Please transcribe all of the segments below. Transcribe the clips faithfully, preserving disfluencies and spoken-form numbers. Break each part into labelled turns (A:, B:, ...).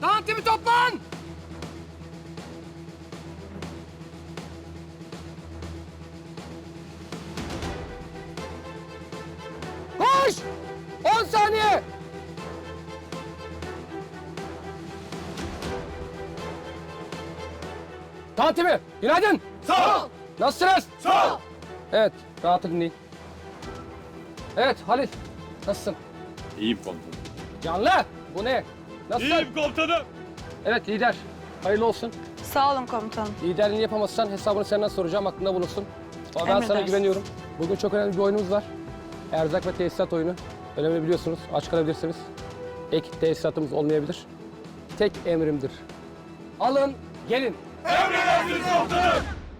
A: Dağın timi toplan! Koş! On saniye! Dağın timi, günaydın!
B: Sağ ol.
A: Nasılsınız?
B: Sağ ol.
A: Evet, rahat dinleyin. Evet, Halil. Nasılsın?
B: İyiyim komutanım.
A: Canlı! Bu ne? Nasılsın?
B: İyiyim komutanım.
A: Evet, lider. Hayırlı olsun.
C: Sağ olun komutanım.
A: Liderliğini yapamazsan hesabını senden soracağım, aklında bulunsun. Ama ben sana
C: Emredersiniz.
A: güveniyorum. Bugün çok önemli bir oyunumuz var. Erzak ve tesisat oyunu. Önemli biliyorsunuz, aç kalabilirsiniz. Ek tesisatımız olmayabilir. Tek emrimdir. Alın, gelin.
B: Emredersiniz komutanım.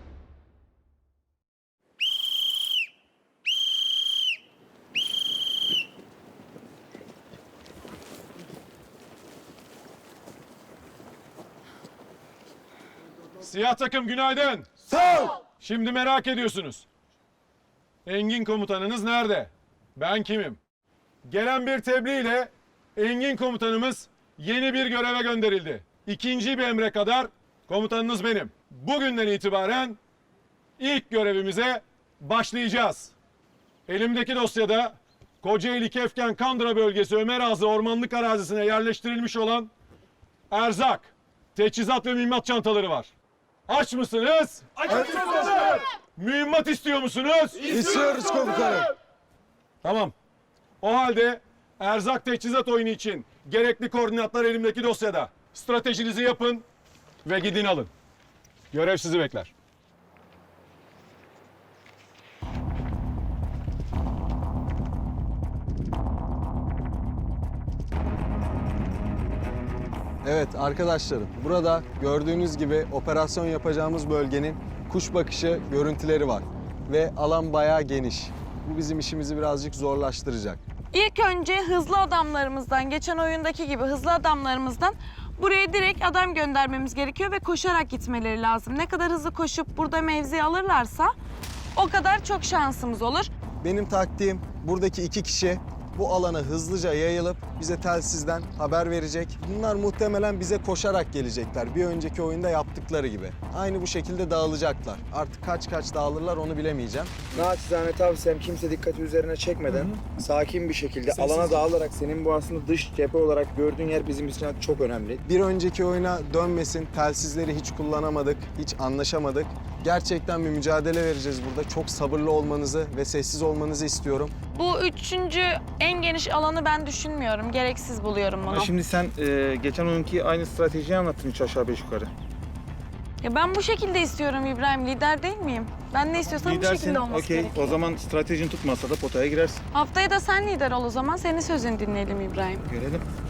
B: Siyah takım günaydın.
D: Sağ ol.
B: Şimdi merak ediyorsunuz. Engin komutanınız nerede? Ben kimim? Gelen bir tebliğ ile Engin komutanımız yeni bir göreve gönderildi. İkinci bir emre kadar komutanınız benim. Bugünden itibaren ilk görevimize başlayacağız. Elimdeki dosyada Kocaeli Kefken Kandıra bölgesi Ömer Ağzı ormanlık arazisine yerleştirilmiş olan erzak, teçhizat ve mühimmat çantaları var. Aç mısınız?
D: Açız
B: Mühimmat istiyor musunuz?
D: İstiyoruz komutanım.
B: Tamam. O halde erzak teçhizat oyunu için gerekli koordinatlar elimdeki dosyada. Stratejinizi yapın ve gidin alın. Görev sizi bekler.
D: Evet arkadaşlarım, burada gördüğünüz gibi operasyon yapacağımız bölgenin kuş bakışı görüntüleri var. Ve alan bayağı geniş. Bu bizim işimizi birazcık zorlaştıracak.
C: İlk önce hızlı adamlarımızdan, geçen oyundaki gibi hızlı adamlarımızdan buraya direkt adam göndermemiz gerekiyor ve koşarak gitmeleri lazım. Ne kadar hızlı koşup burada mevzi alırlarsa o kadar çok şansımız olur.
D: Benim taktiğim buradaki iki kişi bu alana hızlıca yayılıp bize telsizden haber verecek. Bunlar muhtemelen bize koşarak gelecekler. Bir önceki oyunda yaptıkları gibi. Aynı bu şekilde dağılacaklar. Artık kaç kaç dağılırlar onu bilemeyeceğim.
E: Naçizane tavsiyem kimse dikkati üzerine çekmeden sakin bir şekilde alana dağılarak senin bu aslında dış cephe olarak gördüğün yer bizim için çok önemli.
D: Bir önceki oyuna dönmesin. Telsizleri hiç kullanamadık, hiç anlaşamadık. Gerçekten bir mücadele vereceğiz burada. Çok sabırlı olmanızı ve sessiz olmanızı istiyorum.
C: Bu üçüncü en geniş alanı ben düşünmüyorum. Gereksiz buluyorum bunu.
E: Ama şimdi sen e, geçen oyunki aynı stratejiyi anlattın üç aşağı beş yukarı.
C: Ya ben bu şekilde istiyorum İbrahim. Lider değil miyim? Ben ne istiyorsam bu
E: Lidersin,
C: şekilde olması
E: okey.
C: gerekiyor.
E: O zaman stratejin tutmazsa da potaya girersin.
C: Haftaya da sen lider ol o zaman. Senin sözünü dinleyelim İbrahim.
E: Görelim.